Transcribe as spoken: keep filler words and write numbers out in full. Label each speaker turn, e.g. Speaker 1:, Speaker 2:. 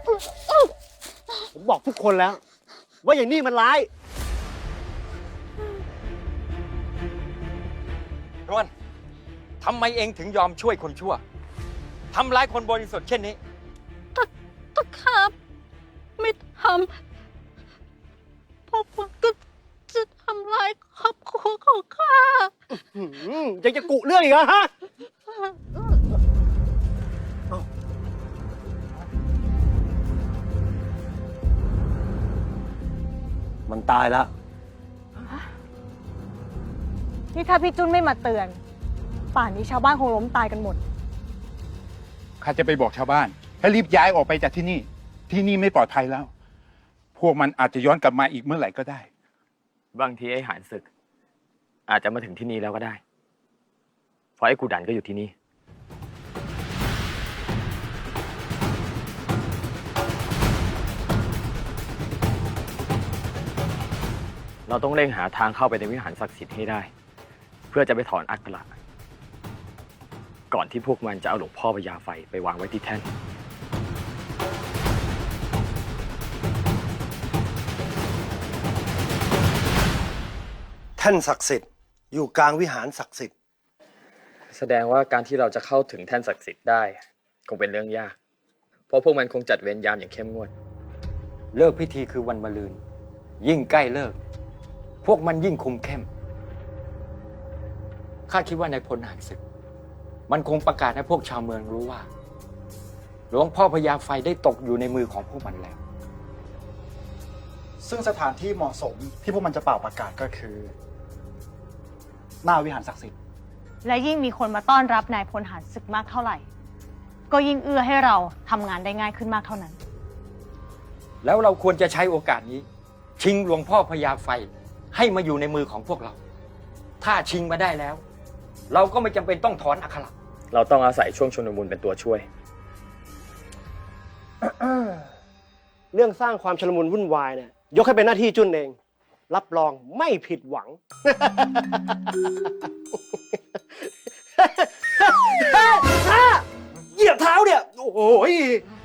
Speaker 1: ผมบอกทุกคนแล้ว ว่าอย่างนี้มันร้าย
Speaker 2: รวนทำไมเองถึงยอมช่วยคนชั่วทำร้ายคนบริสุทธิ์เช่นนี้
Speaker 3: ตะตะครับ ไม่ทำเพราะมันก็จะทำลายครอบครัวของข้า
Speaker 1: ยังจะกุเรื่องอีกเหรอฮะมันตายแล้ว
Speaker 4: นี่ถ้าพี่จุนไม่มาเตือน ป่านนี้ชาวบ้านคงล้มตายกันหมด
Speaker 5: ข้าจะไปบอกชาวบ้านให้รีบย้ายออกไปจากที่นี่ ที่นี่ไม่ปลอดภัยแล้ว พวกมันอาจจะย้อนกลับมาอีกเมื่อไหร่ก็ได้
Speaker 2: บางทีไอ้หานศึก อาจจะมาถึงที่นี่แล้วก็ได้ เพราะไอ้กูดันก็อยู่ที่นี่ เราต้องเร่งหาทางเข้าไปในวิหารศักดิ์สิทธิ์ให้ได้ เพื่อจะไปถอนอัคระก่อนที่พวกมันจะเอาหลวงพ่อพญาไฟไปวางไว้ที่แท่น
Speaker 1: แท่นศักดิ์สิทธิ์อยู่กลางวิหารศักดิ์สิทธิ์
Speaker 2: แสดงว่าการที่เราจะเข้าถึงแท่นศักดิ์สิทธิ์ได้ คงเป็นเรื่องยาก เพราะพวกมันคงจัดเวรยามอย่างเข้มงวด เลิกพิธีคือวันมะรืน ยิ่งใกล้เลิก พวกมันยิ่งคุมเข้ม ข้าคิดว่าในพลหารศึก มันคงประกาศให้พวกชาวเมืองรู้ว่า หลวงพ่อพญาไฟได้ตกอยู่ในมือของพวกมันแล้ว
Speaker 6: ซึ่งสถานที่เหมาะสมที่พวกมันจะเป่าประกาศก็คือ หน้าวิหารศักดิ์สิทธิ์
Speaker 4: และยิ่งมีคนมาต้อนรับนายพลหารศึกมากเท่าไหร่ ก็ยิ่งเอื้อให้เราทำงานได้ง่ายขึ้นมากเท่านั้น
Speaker 2: แล้วเราควรจะใช้โอกาสนี้ ชิงหลวงพ่อพญาไฟให้มาอยู่ในมือของพวกเรา ถ้าชิงมาได้แล้ว เราก็ไม่จำเป็นต้องถอนอัคระเราต้องอาศัยช่วงชนมุนเป็นตัวช่วย
Speaker 1: เรื่องสร้างความชลมุนวุ่นวายเนี่ยยกให้เป็นหน้าที่จุนเอง รับรองไม่ผิดหวัง เหยียบเท้าเนี่ย โอ้โห